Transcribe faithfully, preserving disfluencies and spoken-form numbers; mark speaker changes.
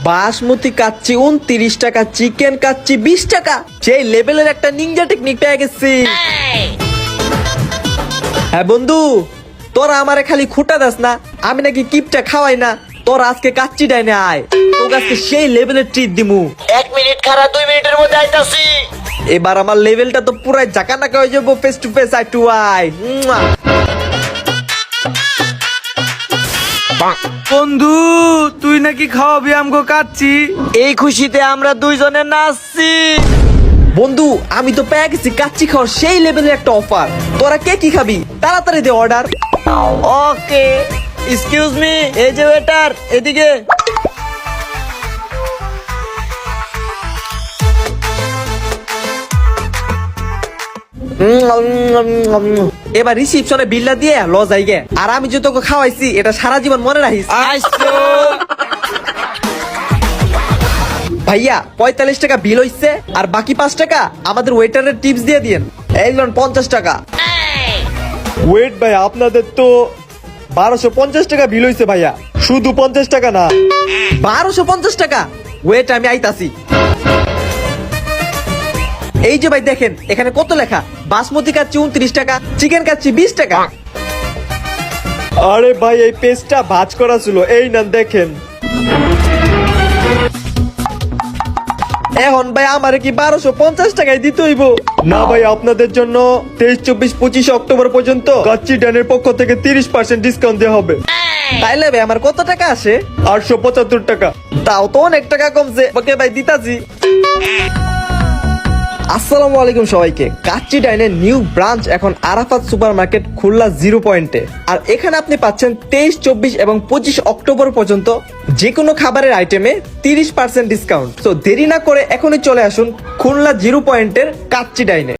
Speaker 1: বাসমতি কাচ্চি উনত্রিশ টাকা, চিকেন কাচ্চি বিশ টাকা। সেই লেভেলের একটা নিনজা টেকনিক পেয়ে গেছি। হ্যাঁ বন্ধু, তোরা আমারে খালি খুঁটা দাস না, আমি নাকি কিপটা খাওয়াই না। তোর আজকে কাচ্চি ডাইনে আয়, তোর আজকে সেই লেভেলের ট্রিট দিমু।
Speaker 2: এক মিনিট খারা, দুই মিনিটের মধ্যে আইতাছি।
Speaker 1: এবার আমার লেভেলটা তো পুরাই জাকানাকা হয়ে যাবো। Face to face, eye to eye.
Speaker 3: বন্ধু তুই নাকি খাওয়াবি আমগো কাচ্চি?
Speaker 2: এই খুশিতে আমরা দুইজনে নাচছি।
Speaker 1: বন্ধু আমি তো পেয়ে গেছি কাচ্চি খাওয়ার সেই লেভেলের একটা অফার। তোরা কে কি খাবি তাড়াতাড়ি দে অর্ডার।
Speaker 2: ওকে, এক্সকিউজ মি, এই যে ওয়েটার, এদিকে।
Speaker 1: এবার রিসিপশনে বিলটা দিয়ে ল যাইগে। আর আমি যে তোকে খাওয়াইছি এটা সারা জীবন মনে রাখিস।
Speaker 2: আইসো।
Speaker 1: ভাইয়া পঁয়তাল্লিশ টাকা বিল হইছে, আর বাকি পাঁচ টাকা আমাদের ওয়েটারের টিপস দিয়ে দিয়েন। এই লোন পঞ্চাশ টাকা। ওয়েট ভাই, আপনাদের তো বারোশো পঞ্চাশ টাকা বিল হইছে ভাইয়া, শুধু পঞ্চাশ টাকা না। বারোশো পঞ্চাশ টাকা? ওয়েট আমি আইতাছি। এই যে ভাই দেখেন এখানে কত লেখা, বাসমতি কাচ্চি উনত্রিশ টাকা, চিকেন কাচ্চি বিশ টাকা। আরে ভাই এই পেস্টটা ভাজ করা ছিল, এই না দেখেন। এখন ভাই আমারে কি বারোশো পঞ্চাশ টাকায় দিতে হইব? না ভাই, আপনাদের জন্য তেইশ চব্বিশ পঁচিশ অক্টোবর পর্যন্ত কাচ্চি ডানের পক্ষ থেকে তিরিশ পার্সেন্ট ডিসকাউন্ট দেওয়া হবে। তাইলে ভাই আমার কত টাকা আসে? আটশো পঁচাত্তর টাকা। তাও তো অনেক টাকা কমছে। ওকে ভাই দিতাছি। আসসালামু আলাইকুম সবাইকে। কাচ্চি ডাইনের নিউ ব্রাঞ্চ এখন Arafat super market Khulna zero পয়েন্টে। আর এখানে আপনি পাচ্ছেন তেইশ চব্বিশ এবং পঁচিশ অক্টোবর পর্যন্ত যে কোনো খাবারের আইটেমে তিরিশ পার্সেন্ট ডিসকাউন্ট। তো দেরি না করে এখনই চলে আসুন খুলনা জিরো পয়েন্টের কাচ্চি ডাইনে।